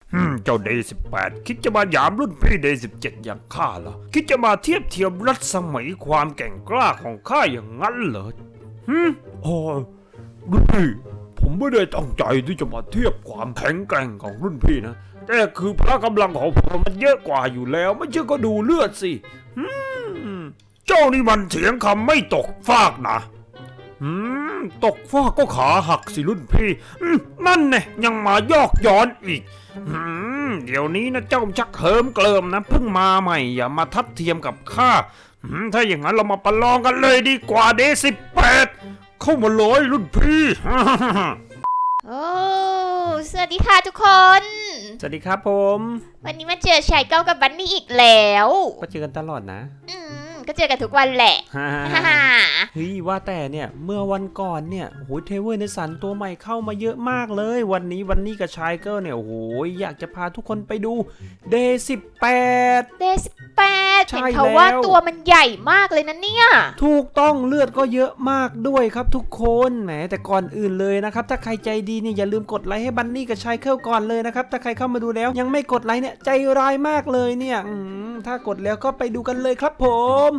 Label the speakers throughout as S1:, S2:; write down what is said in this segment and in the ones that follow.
S1: เจ้าเดย์18คิดจะมาหยามรุ่นพี่เดย์17อย่างข้าเหรอคิดจะมาเทียบเทียมรัศมีความแกร่งกล้าของข้าอย่างนั้นเหรอโอ้รุ่นพี่ผมไม่ได้ตั้งใจที่จะมาเทียบความแข็งแกร่งของรุ่นพี่นะแต่คือพละกำลังของผมมันเยอะกว่าอยู่แล้วไม่เชื่อก็ดูเลือดสิเจ้านี่มันเถียงคำไม่ตกฟากนะตกฟากก็ขาหักสิรุ่นพี่นั่นไงยังมายอกย้อนอีกเดี๋ยวนี้นะเจ้าชักเหิมเกลิมนะเพิ่งมาใหม่อย่ามาทัดเทียมกับข้าถ้าอย่างนั้นเรามาประลองกันเลยดีกว่าเดย์18เข้ามาเลยรุ่นพี่
S2: โอ้สวัสดีค่ะทุกคน
S1: สวัสดีครับผม
S2: วันนี้มาเจอชายเก้ากับบันนี่อีกแล้ว
S1: ก็เจอกันตลอดนะ
S2: ก็เจอกันทุกวันแหละ
S1: เฮ้ยว่าแต่เนี่ยเมื่อวันก่อนเนี่ยโหเทเวอร์ในสันตัวใหม่เข้ามาเยอะมากเลยวันนี้กับชายเกิลเนี่ยโอ้โหอยากจะพาทุกคนไปดูเดย์18เห็นเขาว่าตัวมันใหญ่มากเลยนะเนี่ย
S2: ถู
S1: กต้องเลือดก็เยอะมากด้วยครับทุกคนแหมแต่ก่อนอื่นเลยนะครับถ้าใครใจดีเนี่ยอย่าลืมกดไลค์ให้บันนี่กับชายเกิลก่อนเลยนะครับถ้าใครเข้ามาดูแล้วยังไม่กดไลค์เนี่ยใจร้ายมากเลยเนี่ยถ้ากดแล้วก็ไปดูกันเลยครับผม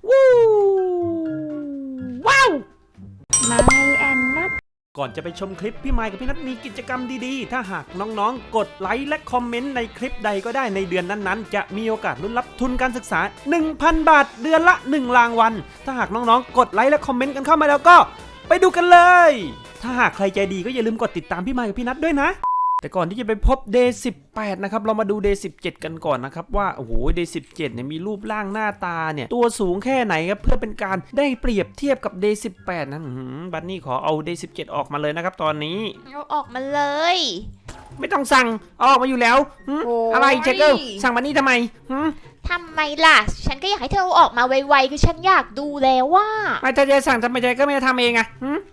S1: ว้าว
S2: ไมแอนนัท
S1: ก่อนจะไปชมคลิปพี่ไมค์กับพี่นัทมีกิจกรรมดีๆถ้าหากน้องๆกดไลค์และคอมเมนต์ในคลิปใดก็ได้ในเดือนนั้นๆจะมีโอกาสลุ้นรับทุนการศึกษา 1,000 บาทเดือนละ1รางวัลถ้าหากน้องๆกดไลค์และคอมเมนต์กันเข้ามาแล้วก็ไปดูกันเลยถ้าหากใครใจดีก็อย่าลืมกดติดตามพี่ไมค์กับพี่นัทด้วยนะแต่ก่อนที่จะไปพบ Day 18นะครับเรามาดู Day 17กันก่อนนะครับว่าโอ้โห Day 17เนี่ยมีรูปร่างหน้าตาเนี่ยตัวสูงแค่ไหนครับเพื่อเป็นการได้เปรียบเทียบกับ Day 18นั้นบัดนี้ขอเอา Day 17ออกมาเลยนะครับตอนนี้
S2: เอาออกมาเลย
S1: ไม่ต้องสั่งเอาออกมาอยู่แล้วอะไรเจเกิลสั่งบัดนี้ทำไม
S2: ทำไมล่ะฉันก็อยากให้เธอออกมาไวๆคือฉันอยากดูแล้วว่า
S1: ไม่ถ้าจะสั่งทำไมใจก็ไม่ทำเองอะ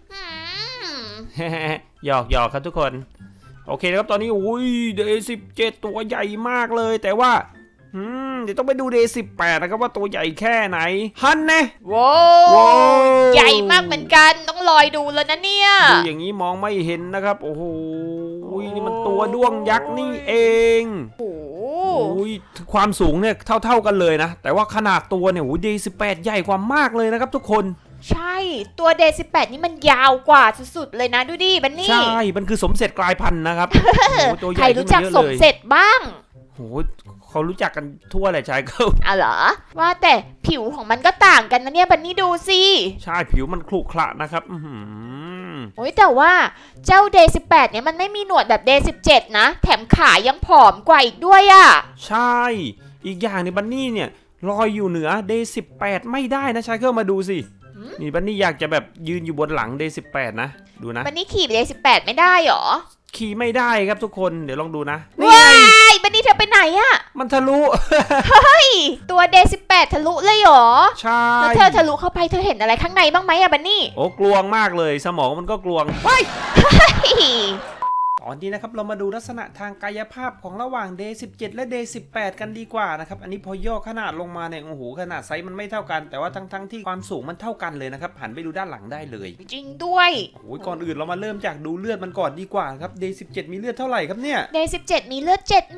S1: หยอกครับทุกคนโอเคครับตอนนี้อุ้ยเดย์17ตัวใหญ่มากเลยแต่ว่าเดี๋ยวต้องไปดูเดย์18นะครับว่าตัวใหญ่แค่ไหนฮันเน่
S2: ว้าวใหญ่มากเหมือนกันต้องลอยดูแล้วนะเนี่ย
S1: ดูอย่างนี้มองไม่เห็นนะครับโอ้โหนี่มันตัวด้วงยักษ์นี่เองโอ้ยความสูงเนี่ยเท่ากันเลยนะแต่ว่าขนาดตัวเนี่ยโอ้ยเดย์18ใหญ่กว่ามากเลยนะครับทุกคน
S2: ใช่ตัวเดย์18นี่มันยาวกว่าสุดๆเลยนะดูดิบันนี่
S1: ใช่มันคือสมเสร็จกลายพันธุ์นะครับ
S2: ใครรู้จักสมเสร็จบ้าง
S1: โอ้ยเขารู้จักกันทั่วเลยชายเกิล
S2: เหรอว่าแต่ผิวของมันก็ต่างกันนะเนี่ยบันนี่ดูสิ
S1: ใช่ผิวมันขรุขระนะครับ
S2: โอ้ยแต่ว่าเจ้าเดย์18เนี่ยมันไม่มีหนวดแบบเดย์17นะแถมขายังผอมกว่าอีกด้วยอ่ะ
S1: ใช่อีกอย่างในบันนี่เนี่ยลอยอยู่เหนือเดย์18ไม่ได้นะชายเกิลมาดูสินี่บันนี่อยากจะแบบยืนอยู่บนหลังเดย์18นะดูนะ
S2: บันนี่ขี่เดย์18ไม่ได้หรอ
S1: ขี่ไม่ได้ครับทุกคนเดี๋ยวลองดูนะ
S2: ว้ายบันนี่เธอไปไหนอะ
S1: มันทะลุ
S2: เฮ้ยตัวเดย์18ทะลุเลยหรอ
S1: ใช่
S2: แล้วเธอทะลุเข้าไปเธอเห็นอะไรข้างในบ้างไหมอะบันนี่
S1: โอ้กลวงมากเลยสมองมันก็กลวง
S2: ว้าย
S1: ตอนนี้นะครับเรามาดูลักษณะทางกายภาพของระหว่าง Day 17และ Day 18กันดีกว่านะครับอันนี้พอย่อขนาดลงมาเนี่ยโอ้โหขนาดไซส์มันไม่เท่ากันแต่ว่าทั้งที่ความสูงมันเท่ากันเลยนะครับหันไปดูด้านหลังได้เลย
S2: จริงด้วย
S1: โอ้ยก่อนอื่นเรามาเริ่มจากดูเลือดมันก่อนดีกว่าครับ Day 17มีเลือดเท่าไหร่ครับเนี่ย
S2: Day 17มีเลือด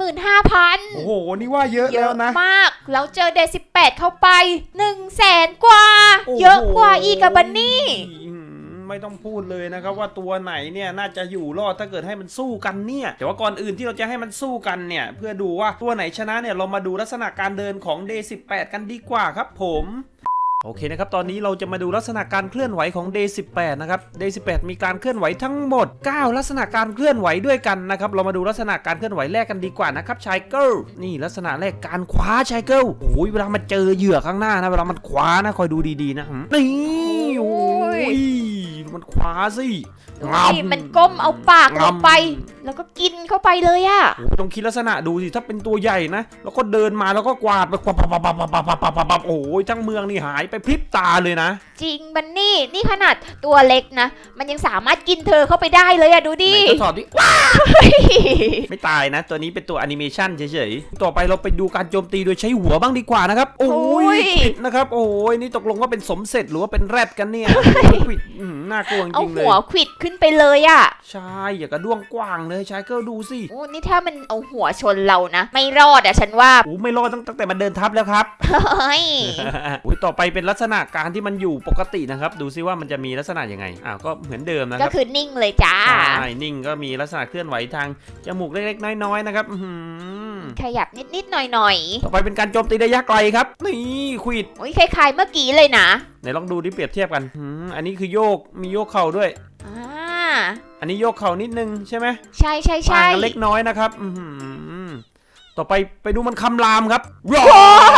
S2: 75,000
S1: โอ้โหนี่ว่าเยอะแล้วนะ
S2: มากแล้วเจอ Day 18เข้าไป 100,000 กว่าเยอะกว่าอีกกับบันนี่
S1: ไม่ต้องพูดเลยนะครับว่าตัวไหนเนี่ยน่าจะอยู่รอดถ้าเกิดให้มันสู้กันเนี่ยแต่ว่าก่อนอื่นที่เราจะให้มันสู้กันเนี่ยเพื่อดูว่าตัวไหนชนะเนี่ยเรามาดูลักษณะการเดินของ Day 18กันดีกว่าครับผมโอเคนะครับตอนนี้เราจะมาดูลักษณะการเคลื่อนไหวของ Day 18นะครับ Day 18มีการเคลื่อนไหวทั้งหมด9ลักษณะการเคลื่อนไหวด้วยกันนะครับเรามาดูลักษณะการเคลื่อนไหวแรกกันดีกว่านะครับชายเกิลนี่ลักษณะแรกการคว้าชายเกิลโอ้ยเวลามันเจอเหยื่อข้างหน้านะเวลามันคว้านะคอยดูดีๆนะนี่โอ้ยมันคว้าสิ
S2: มันก้มเอาปากลงไปแล้วก็กินเข้าไปเลยอ่ะ
S1: ต้องคิดลักษณะดูสิถ้าเป็นตัวใหญ่นะแล้วก็เดินมาแล้วก็กวาดไปปับโอ้ยทั้งเมืองนี่หายไปพริบตาเลยนะ
S2: จริงบันนี่ขนาดตัวเล็กนะมันยังสามารถกินเธอเข้าไปได้เลยอะดูดิ
S1: ทดสอบดิว้าไม่ตายนะตัวนี้เป็นตัวแอนิเมชันเฉยๆต่อไปเราไปดูการโจมตีโดยใช้หัวบ้างดีกว่านะครับโอ้ยผิดนะครับโอ้ยนี่ตกลงว่าเป็นสมเสร็จหรือว่าเป็นแรดกันเนี่ยผิดน่าากลัวจ
S2: เอา
S1: ริงๆเล
S2: หัวย ขวิดขึ้นไปเลยอะ
S1: ใช่อย่ากระด้วงกว้างเลยชายเกิลดูสิ
S2: โอ้นี่ถ้ามันเอาหัวชนเรานะ ไม่รอดอะฉันว่า
S1: โอ้ไม่รอดตั้งแต่มันเดินทับแล้วครับ
S2: เฮ้ย
S1: อุ้ยต่อไปเป็นลักษณะการที่มันอยู่ปกตินะครับดูซิว่ามันจะมีลักษณะยังไงก็เหมือนเดิมนะค
S2: ก็
S1: รับ
S2: คือนิ่งเลยจ้า
S1: ใช่นิ่งก็มีลักษณะเคลื่อนไหวทางจมูกเล็กๆน้อยๆนะครับ
S2: ขยับนิดๆหน่อย
S1: ต่อไปเป็นการโจมตีระยะไกลครับนี่ควิด
S2: ๆโอ้ยคล้ายๆเมื่อกี้เลยนะ
S1: ไหนลองดูดิเปรียบเทียบกันอันนี้คือโยกมีโยกเข่าด้วย
S2: อ่า
S1: อันนี้โยกเข่านิดนึงใช่ไหม
S2: ใช่ใช่
S1: ต่า
S2: ใช่
S1: งกันเล็กน้อยนะครับต่อไปดูมันคำรามครับรอ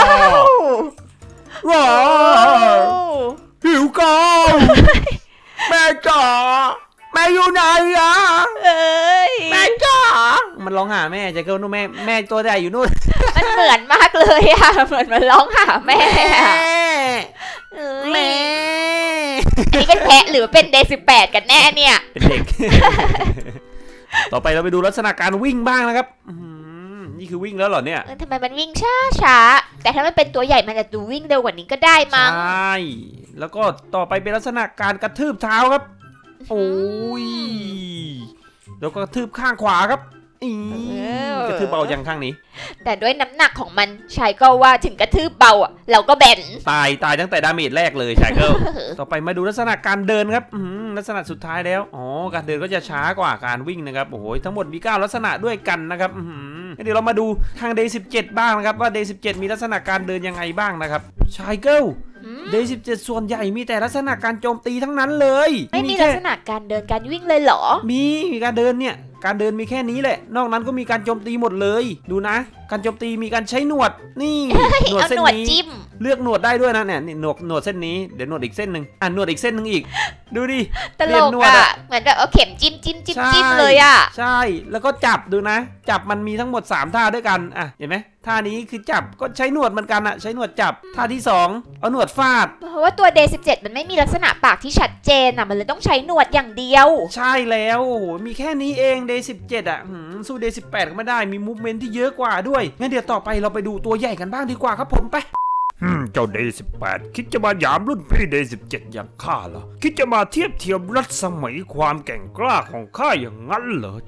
S1: รอหิวก่อนแม่จ๋าแม่อยู่ไหนอะ
S2: เอ้ย
S1: แม่จ๋ามันร้องหาแม่ใจเกิลนู่นแม่ตัวใหญ่อยู่นู่น
S2: มันเหมือนมากเลยอะเหมือนมันร้องหาแม่อะเอ้ย
S1: แม่
S2: อันนี้เป็นแพะหรือเป็นเดย์18กันแน่เนี่ย
S1: เป็นเด็ก ต่อไปเราไปดูลักษณะการวิ่งบ้างนะครับนี่คือวิ่งแล้วเหรอเนี่ย
S2: ทำไมมันวิ่งช้าแต่ถ้ามันเป็นตัวใหญ่มันจะดูวิ่งเร็วกว่านี้ก็ได้มั้ง
S1: ใช่แล้วก็ต่อไปเป็นลักษณะการกระทืบเท้าครับโอ้ยแล้วก็กระทืบข้างขวาครับกระทืบเบาอย่างข้างนี้
S2: แต่ด้วยน้ำหนักของมันชายก็ว่าถึงกระทืบเบาอ่ะเราก็แบน
S1: ตายตั้งแต่ดาเมจแรกเลยชายเกิล ต่อไปมาดูลักษณะการเดินครับลักษณะสุดท้ายแล้วการเดินก็จะช้ากว่าการวิ่งนะครับโอ้โหทั้งหมดมี9ลักษณะด้วยกันนะครับเดี๋ยวเรามาดูทาง Day 17บ้างนะครับว่า Day 17มีลักษณะการเดินยังไงบ้างนะครับชายเกิล Day 17ส่วนใหญ่มีแต่ลักษณะการโจมตีทั้งนั้นเลย
S2: ไม่มีลักษณะการเดินการวิ่งเลยเหรอ
S1: มีการเดินเนี่ยการเดินมีแค่นี้แหละนอกนั้นก็มีการโจมตีหมดเลยดูนะการโจมตีมีการใช้หนวดนี่หนวด
S2: เอา
S1: เส้น
S2: หนวด
S1: นี้
S2: จิ้ม
S1: เลือกหนวดได้ด้วยนะเนี่ยหนวดเส้นนี้เดี๋ยวหนวดอีกเส้นหนึ่งหนวดอีกเส้นหนึ่งอีกดูดิ
S2: ตลกอ่ะเหมือนแบบเอาเข็มจิ้มจิ้มจิ้มจิ้มเลยอ่ะ
S1: ใช่แล้วก็จับดูนะจับมันมีทั้งหมด3ท่าด้วยกันเห็นไหมท่านี้คือจับก็ใช้หนวดเหมือนกันใช้หนวดจับท่าที่2เอาหนวดฟาด
S2: เพราะว่าตัว Day 17มันไม่มีลักษณะปากที่ชัดเจนมันเลยต้องใช้หนวดอย่างเดียว
S1: ใช่แล้วโอ้โหมีแค่นี้เอง Day 17สู้ Day 18ก็ไม่ได้มีมูฟเมนต์ที่เยอะกว่าด้วยงั้นเดี๋ยวต่อไปเราไปดูตัวใหญ่กันบ้างดีกว่าครับผมไปเจ้า Day 18คิดจะมาหยามรุ่นพี่ Day 17อย่างข้าเหรอคิดจะมาเทียบเทียมรัศมีความแกร่งกล้าของข้าอย่างนั้นเหรอ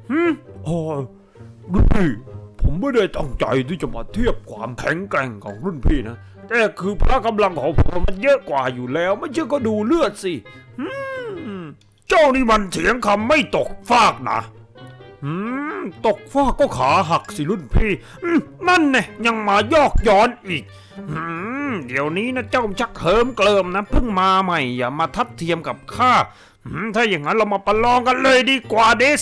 S1: รุ่นพี่ผมไม่ได้ตั้งใจที่จะมาเทียบความแข็งแกร่งของรุ่นพี่นะแต่คือพละกำลังของผมมันเยอะกว่าอยู่แล้วไม่เชื่อก็ดูเลือดสิเจ้านี่มันเถียงคำไม่ตกฟากนะตกฟากก็ขาหักสิรุ่นพี่นั่นไงยังมายอกย้อนอีกเดี๋ยวนี้นะเจ้าชักเหิมเกลิมนะเพิ่งมาใหม่อย่ามาทัดเทียมกับข้าถ้าอย่างนั้นเรามาประลองกันเลยดีกว่าเดย์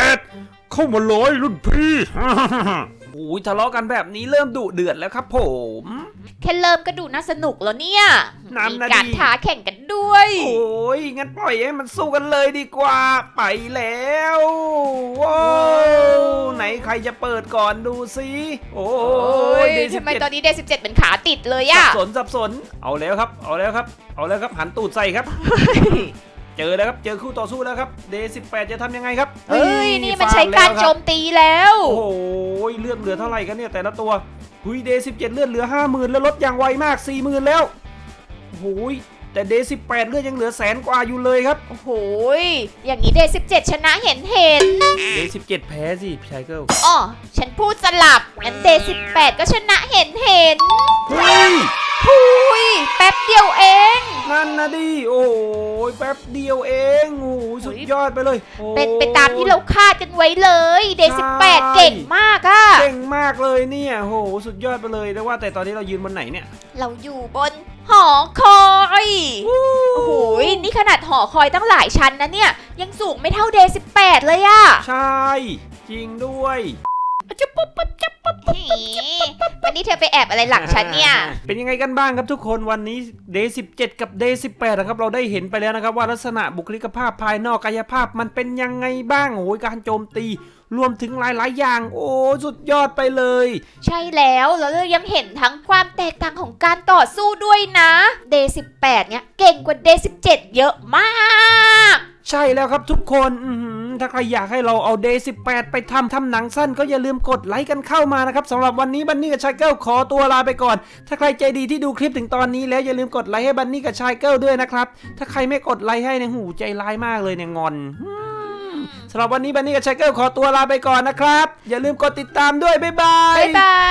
S1: 18เข้ามาเลยรุ่นพี่ โอ้ยทะเลาะกันแบบนี้เริ่มดุเดือดแล้วครับผม
S2: แค่เริ่มก็ดูน่าสนุกแล้วเนี่ย
S1: น้ำ
S2: มี
S1: นะดิ
S2: การท้าแข่งกันด้วย
S1: โอ้ยงั้นปล่อยให้มันสู้กันเลยดีกว่าไปแล้วว้าวไหนใครจะเปิดก่อนดูสิโอ้ย Day
S2: ทำไม
S1: 17
S2: ตอนนี้ Day 17เป็นขาติดเลย
S1: สั
S2: อะ
S1: บสนเอาแล้วครับหันตูดใส่ครับ เจอแล้วครับเจอคู่ต่อสู้แล้วครับ Day 18จะทำยังไงครับ
S2: เฮ้ยนี่มันใช้การโจมตีแล้ว
S1: โอ้โหเลือดเหลือเท่าไหร่กันเนี่ยแต่ละตัวหุย Day 17เลือดเหลือ 50,000แล้วลดอย่างไวมาก 40,000แล้วโอ้โหแต่ Day 18เลือดยังเหลือ100,000กว่าอยู่เลยครับ
S2: โอ้โหอย่างนี้ Day 17ชนะเห็น
S1: Day 17แพ้สิชายเกิล
S2: อ๋อฉันพูดสลับงั้น Day 18ก็ชนะเห็น
S1: เฮ้ย
S2: หุยแป๊บเดียวเอง
S1: นั่นนะดิโอ้ยแป๊บเดียวเองโอ้ยสุดยอดไปเลยโอ้ย
S2: เป็นไปตามที่เราคาดกันไว้เลย Day
S1: ใช่
S2: 18เก่งมากอะ
S1: เก่งมากเลยเนี่ยโหสุดยอดไปเลยแต่ว่าแต่ตอนนี้เรายืนบนไหนเนี่ย
S2: เราอยู่บนหอคอย โอ้โหนี่ขนาดหอคอยตั้งหลายชั้นนะเนี่ย ยังสูงไม่เท่า Day 18เลยอะ
S1: ใช่จริงด้วยจะปุ๊บปุ๊บจะปุ๊บ
S2: วันนี้เธอไปแอบอะไรหลังฉันเนี่ย
S1: เป็นยังไงกันบ้างครับทุกคนวันนี้ Day 17 กับ Day 18นะครับเราได้เห็นไปแล้วนะครับว่าลักษณะบุคลิกภาพภายนอกกายภาพมันเป็นยังไงบ้างโอ้ยการโจมตีรวมถึงหลายๆอย่างโอ้สุดยอดไปเลย
S2: ใช่แล้วเรายังเห็นทั้งความแตกต่างของการต่อสู้ด้วยนะ Day 18เนี่ยเก่งกว่า Day 17เยอะมาก
S1: ใช่แล้วครับทุกคนถ้าใครอยากให้เราเอา Day 18 ไปทำหนังสั้นก็อย่าลืมกดไลค์กันเข้ามานะครับสำหรับวันนี้บันนี่กับชายเกิลขอตัวลาไปก่อนถ้าใครใจดีที่ดูคลิปถึงตอนนี้แล้วอย่าลืมกดไลค์ให้บันนี่กับชายเกิลด้วยนะครับถ้าใครไม่กดไลค์ให้เนี่ยหูใจร้ายมากเลยเนี่ยงอนสำหรับวันนี้บันนี่กับชายเกิลขอตัวลาไปก่อนนะครับอย่าลืมกดติดตามด้วยบ๊ายบาย
S2: บ๊ายบาย